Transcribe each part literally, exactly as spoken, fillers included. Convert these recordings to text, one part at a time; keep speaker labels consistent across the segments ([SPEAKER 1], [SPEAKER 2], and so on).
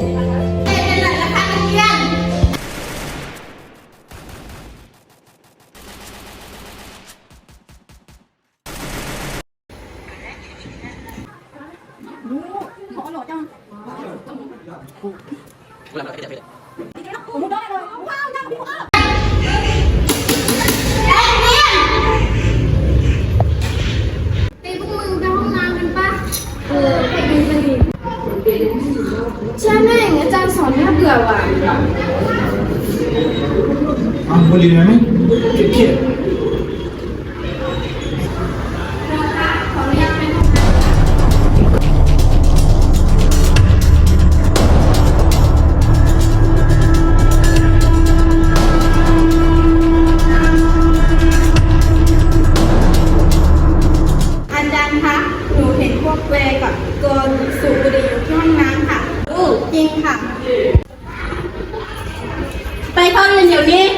[SPEAKER 1] เป็นไรล่ะคะนักเรียนขอหล่อจังผมได้เลยว้าวน่าดูอ่ะไปพวกมึงไปห้องน้ำกันปะเออไปดูกันดิเชื่อแม่งอาจารย์สอนน่าเบื่อว่ะ
[SPEAKER 2] อ่ะบุหรี่ไหมเขียด
[SPEAKER 1] ขออนุญาตไปห้องน้ำอาจารย์คะหนูเห็นพวกเวกับตัวสูบบุหรี่อยู่ที่ห้องน้ำค่ะอู้จริงค่ะไปเข้าเรียนเดี๋ยวนี้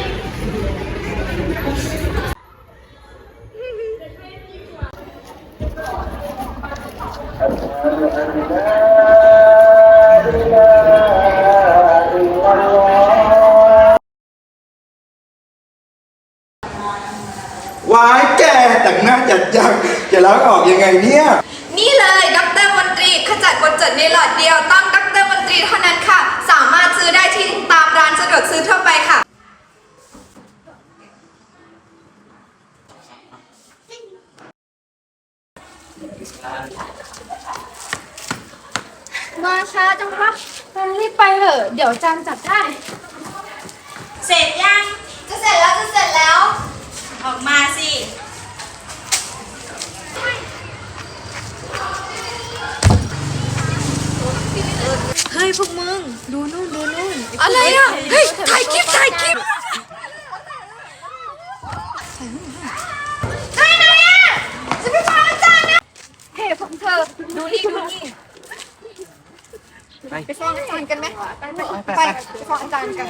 [SPEAKER 2] วายแกแต่งหน้าจัดจังจะล้างออกยังไงเนี่ย
[SPEAKER 3] นี่เลยดร.มนตรีขจัดกรดจดในหลอดเดียวต้องดร.มนตรีเท่านั้นค่ะสามารถซื้อได้ที่ตามร้านสะดวกซื้อทั่วไปค่ะ
[SPEAKER 1] มาช้าจังคะรีบไปเถอะเดี๋ยวจานจับได้
[SPEAKER 3] เสร็จยังจะเสร็จแล้วจะเสร็จแล้วออกมาสิเฮ้ยพวกมึงดูนู่นดูนู่นอะไรอ่ะเฮ้ยถ่ายคลิปถ่ายคลิปเฮ้ยนายอ่ะจะไปฟังอาจารย์นะเฮ้ยพวกเธอดูนี่ดูนี่ไปฟ้องอาจารย์กันไหมไปไปฟ้องอาจารย์กัน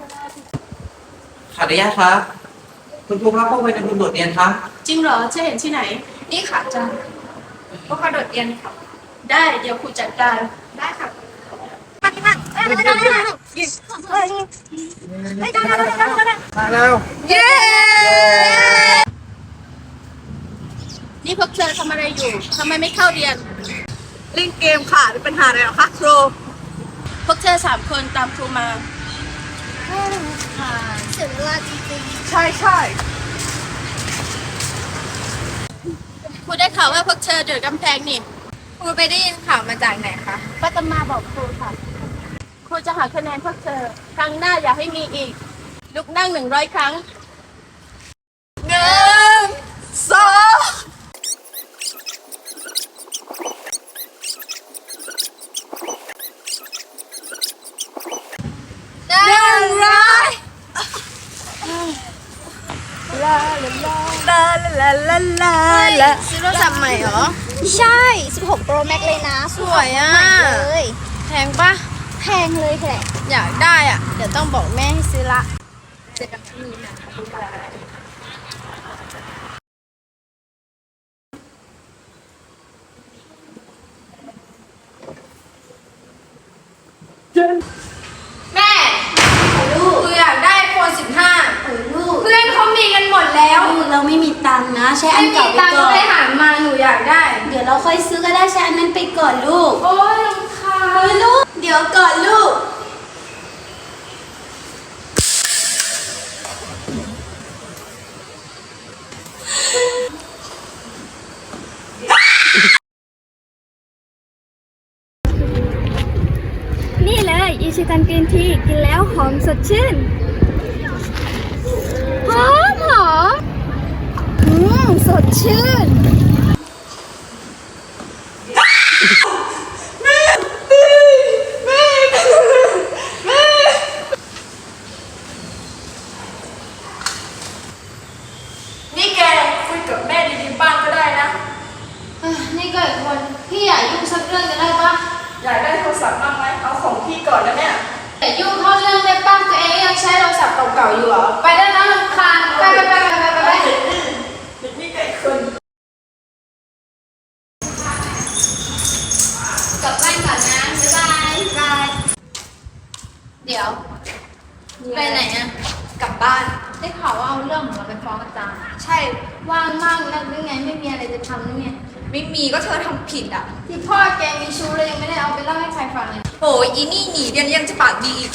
[SPEAKER 4] ขออนุญาตครับคุณครูครับพวกไปในคุณโดดเรียนครับ
[SPEAKER 3] จริงเหรอจะเห็นที่ไหนนี่ค่ะอาจารย์พวกเขาโดดเรียนค่ะได้เดี๋ยวครูจัดการได้ค่ะ
[SPEAKER 2] มาแล้ว
[SPEAKER 3] เย้นี่พวกเธอทำอะไรอยู่ทำไมไม่เข้าเรียน
[SPEAKER 5] เล่นเกมค่ะมีปัญหาอะไรหรอคะครู
[SPEAKER 3] พวกเธอสามคนตามครูมา
[SPEAKER 1] เสียเวลาจริง
[SPEAKER 5] ใช่ใช่
[SPEAKER 3] ครูได้ข่าวว่าพวกเธอเดือดกำแพงนี่
[SPEAKER 1] ครูไปได้ยินข่าวมาจากไหนคะ
[SPEAKER 3] ป้าตมาบอกครูค่ะครูจะหาคะแนนพวกเธอครั้งหน้าอย่าให้มีอีกลุกนั่งหนึ่งร้อยครั้ง
[SPEAKER 5] หนึ่งสอง
[SPEAKER 1] หนึ่งร้อย
[SPEAKER 5] ลาลาลาลาลาลาลาลา
[SPEAKER 1] ซื้อโทรศัพท์ใหม่เหรอใช่ สิบหก Pro Max เลยนะ
[SPEAKER 3] สวยอ่ะ
[SPEAKER 1] เลย
[SPEAKER 3] แพงปะ
[SPEAKER 1] แพงเลยแหละ
[SPEAKER 3] อยากได้อ่ะเดี๋ยวต้องบอกแม่ให้ซื้อละ
[SPEAKER 1] เจ็ดกับนี่นะ
[SPEAKER 3] แม่ลูกอยากได้ไอโฟนสิบห้าเพื่อนเขามีกันหมดแล้ว
[SPEAKER 1] เราไม่มีตังค์นะใช้อันเก่าไปก่อน
[SPEAKER 3] ไม่มีตังค์ก็ไปหามาหนูอยากได้
[SPEAKER 1] เดี๋ยวเราค่อยซื้อก็ได้ใช้อันนั้นไปก่อนลูก
[SPEAKER 3] โอ้ยรำคาญ
[SPEAKER 1] ลูกเดี๋ยวก่อนลูกนี่เลยอิชิตันกรีนทีกินแล้วหอมสดชื่นหอมหอมอืมสดชื่น
[SPEAKER 3] นี่แกคุยกับแม่ดีๆบ้างก็ได้นะ
[SPEAKER 1] นี่ก็อีกคนพี่อยากยุ่งสักเรื่องจะได้ปะ
[SPEAKER 3] อยากได้โทรศัพท์บ้างไหมเอาของพี่ก่อนแล้วเนี่ย
[SPEAKER 1] แต่ยุ่งเข้าเรื่องได้ป้าตัวเองยังใช้โทรศัพท์เก่าๆอยู่เหรอไปได้แล้วรำคาญไปไปไปไปไปไป
[SPEAKER 3] นี่ไก่คน
[SPEAKER 1] กลับบ้านก่อนนะบ๊ายบายบายเดี๋ยว
[SPEAKER 3] ไปไหนอะกลับบ้าน
[SPEAKER 1] ได้ข่าวว่าเอาเรื่องของเราไปฟ้องอาจารย์
[SPEAKER 3] ใช่
[SPEAKER 1] ว่างมากนักหรือไงไม่มีอะไรจะทำหรือไง
[SPEAKER 3] ไม่มีก็เธอทำผิดอ่ะ
[SPEAKER 1] ที่พ่อแกมีชู้เลยยังไม่ได้เอาไปเล่าให้ใครฟังเลย
[SPEAKER 3] โอ้ยอีนี่หนีเรียนยังจะปากดีอีก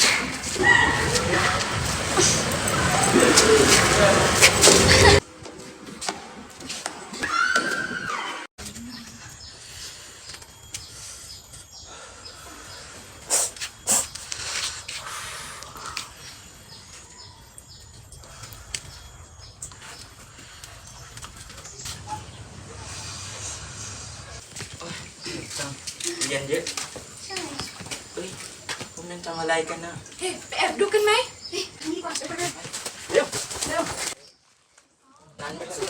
[SPEAKER 4] เรียนเยอะเฮ้ยพวกนั้นทำอะไรกันนะ
[SPEAKER 3] เฮ้ยไปแอบดูกันไหม
[SPEAKER 4] เร็วเร็วนั้นไม่สุด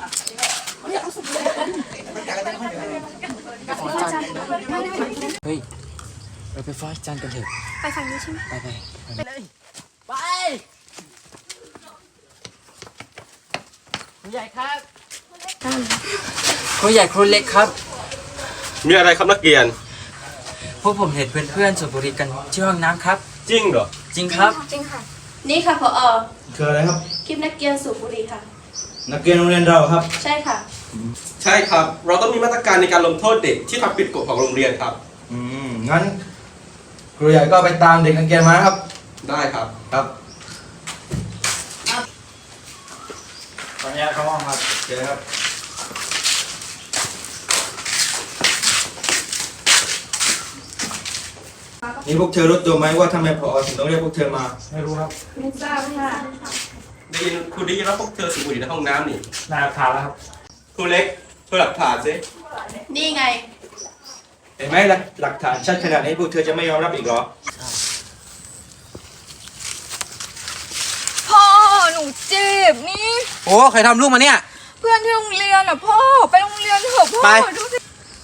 [SPEAKER 4] เฮ้ยเราไปฟ้องอาจารย์กันเถอะ
[SPEAKER 1] ไปฝั่งนี้ใช่ไหม
[SPEAKER 4] ไปไปไปเลยไปครูใหญ่ครับครูใหญ่ครูเล็กครับ
[SPEAKER 6] มีอะไรครับนักเรียน
[SPEAKER 4] พวกผมเห็นเพื่อนๆสูบบุหรี่กันที่ห้องน้ำครับ
[SPEAKER 6] จริงเหรอ
[SPEAKER 4] จริงครับ
[SPEAKER 1] จริงค่ะ
[SPEAKER 5] นี่ค่ะผอ
[SPEAKER 2] คืออะไรครับ
[SPEAKER 5] คลิปนักเรียนสูบบุหรี่ค่ะ
[SPEAKER 2] นักเรียนโรงเรียนเราครับ
[SPEAKER 5] ใช่ค่ะ
[SPEAKER 6] ใช่ครับ เราต้องมีมาตรการในการลงโทษเด็กที่ทำผิดกฎของโรงเรียนครับ
[SPEAKER 2] อืม งั้นครูใหญ่ก็ไปตามเด็กนักเรียนมานะครับ
[SPEAKER 6] ได้ครับ
[SPEAKER 2] ครับขออนุญาตเข้าห้องครับเชิญครับ นี่พวกเธอรู้ตัวไหมว่าทำไมผอถึงต้องเรียกพวกเธอมา
[SPEAKER 7] ไม่รู้ครับ
[SPEAKER 5] ไม่ทราบค่ะ
[SPEAKER 6] ได้ยินครูได้ยินว่าพวกเธอสูบบุหรี่ในห้องน้ำนี่
[SPEAKER 7] นายผ่านแล้วครับ
[SPEAKER 6] ครูเล็กช่วยหลักฐานสิ
[SPEAKER 5] นี่ไง
[SPEAKER 2] เห็นไหมหลักหลักฐานชัดขนาดนี้พวกเธอจะไม่ยอมรับอีกเหรอ
[SPEAKER 3] พ่อหนูเจ็บนี่
[SPEAKER 4] โอ้ใครทำลูกมาเนี่ย
[SPEAKER 3] เพื่อนที่โรงเรียนอ่ะพ่อไปโรงเรียนเถอะพ่อ
[SPEAKER 4] ไป
[SPEAKER 3] ดูสิ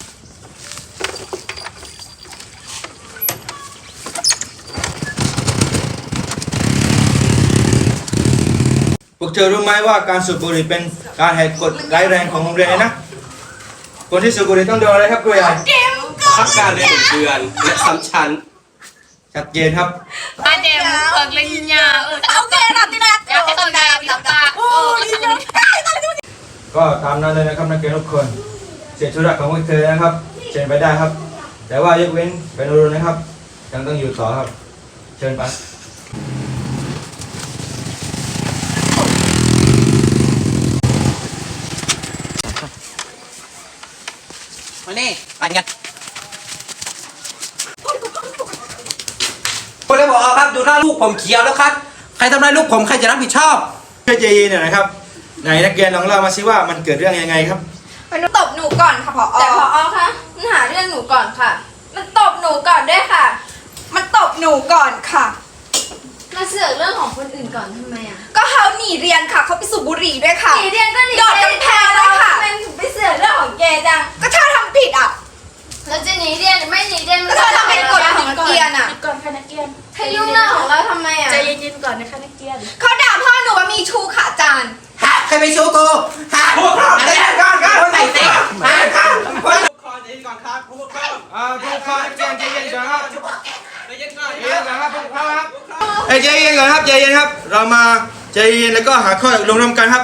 [SPEAKER 2] พวกเธอรู้ไหมว่าการสูบบุหรี่เป็นการแหกกฎร้ายแรงของโรงเรียนเลยนะ คนที่สูบบุหรี่ต้องโดนอะไรครับครูใหญ่
[SPEAKER 6] พักการเรียนหนึ่งเดือนและซ้ำชั้น
[SPEAKER 2] ชัดเจนครับ
[SPEAKER 5] อาเจมเพิกเลยยาเออโอเครับที่รักอยากให้คนดาวหลับตาโอ้ย
[SPEAKER 2] ก็ตามนั้นเลยนะครับนักเรียนทุกคน เสียธุระของพวกเธอนะครับเชิญไปได้ครับ แต่ว่ายกเว้นเป็นรุนนะครับ ยังต้องอยู่ต่อครับ เชิญไป
[SPEAKER 4] มานี่ปั่นกันคุณเลยบอกครับดูหน้าลูกผมเขียวแล้วครับ ใครทำร้ายลูกผมใครจะรับผิดชอบ
[SPEAKER 2] เพื่อใจเย็นหน่อยนะครับไหนนักเรียนลองเล่ามาสิว่ามันเกิดเรื่องยังไงครับ
[SPEAKER 3] มันตบหนูก่อนค่ะพอ
[SPEAKER 1] แต่พอคะมันหาเรื่องหนูก่อนค่ะ
[SPEAKER 3] มันตบหนูก่อนด้วยค่ะ มันตบหนูก่อนค่ะ
[SPEAKER 1] มาเสือกเรื่องของคนอื่นก่อนทำไมอ่ะ
[SPEAKER 3] ก็เขาหนีเรียนค่ะเขาไปสูบบุหรี่ด้วยค่ะ
[SPEAKER 1] หนีเรียนก็หนี
[SPEAKER 3] โดดกำแพงด้วยค่ะ
[SPEAKER 1] ทำไมถึงไปเสือกเรื่องของแกจัง
[SPEAKER 3] ก็เธอทำผิดอ่ะ
[SPEAKER 1] เราจะหนีเรียนหรือไม่หนีเรียน
[SPEAKER 3] ก็เธอทำเป็นกฎของนักเรียนอ่ะ
[SPEAKER 5] ก่อนค่ะนักเรียน
[SPEAKER 1] ให้ยุ่งเรื่องของเราทำไมอ่ะ
[SPEAKER 5] ใจเย็นๆก่อนนะคะนักเรียน
[SPEAKER 3] เขาด่าพ่อหนูว่ามีชู้ค่ะอาจารย์
[SPEAKER 4] ใครไปชูกูฮะ
[SPEAKER 2] พวกเราใจเย็นก่อนครับ
[SPEAKER 4] ใส่เซ็ก
[SPEAKER 6] คอใจเย็นก่อนครับผู้ปกครอง
[SPEAKER 2] อ่าพวกเขาใจเย็นก่อนครับ
[SPEAKER 6] ใจเย็นก่อน
[SPEAKER 2] ใจเย็นก่อนครับพวกเขาครับเอ้ยใจเย็นก่อนครับใจเย็นครับ เรามาใจเย็นแล้วก็หาข้อตกลงร่วมกันครับ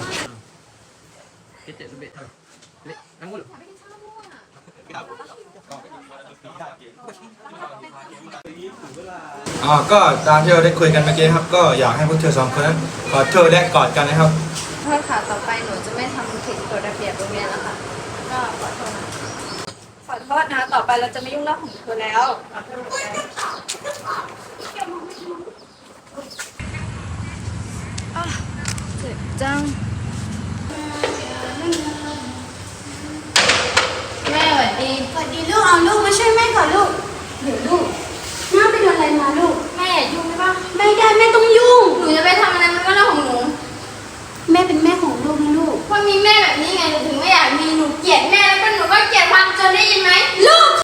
[SPEAKER 2] อ๋อ ก็ตามที่เราได้คุยกันเมื่อกี้ครับ ก็อยากให้พวกเธอสองคนนั้นขอโทษและกอดกันนะครับ
[SPEAKER 1] โทษค่ะ ต่อไปหนูจะไม่ทำผิดกฎระเบียบโรงเรียนแล้วค่ะ ก็ขอโทษนะ
[SPEAKER 5] ขอโทษนะ ต่อไปเราจะไม่ยุ่งเรื่องของเธอแล้ว
[SPEAKER 1] จัง แม่สวัสดี
[SPEAKER 8] สวัสดีลูก เอาลูกมาช่วยแม่ก่อนลูก เดี๋ยวลูกน้าไปโดนอะไรมาลูก
[SPEAKER 1] แม่อย่ายุ่งได้ปะ
[SPEAKER 8] ไม่ได้แม่ต้องยุ่ง
[SPEAKER 1] หนูจะไปทำอะไรมันก็เรื่องของหนู
[SPEAKER 8] แม่เป็นแม่ของลูกนะลูก
[SPEAKER 1] เพราะมีแม่แบบนี้ไงหนูถึงไม่อยากมีหนูเกลียดแม่แล้วก็หนูก็เกลียดความจนได้ยินไหมลูก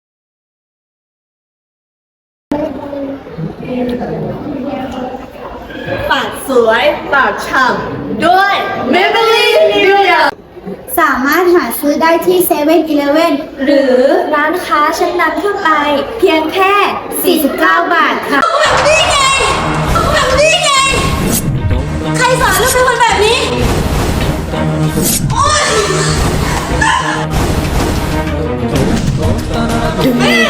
[SPEAKER 5] ปากสวยปากฉ่ำด้วย Maybelline Nivea
[SPEAKER 8] สามารถหาซื้อได้ที่เซเว่นอีเลฟเว่นหรือร้านค้าชั้นนำทั่วไป เพียงแค่ สี่สิบเก้า บาทค่ะ
[SPEAKER 3] นี่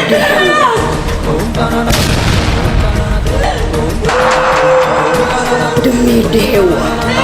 [SPEAKER 8] Demi dewa.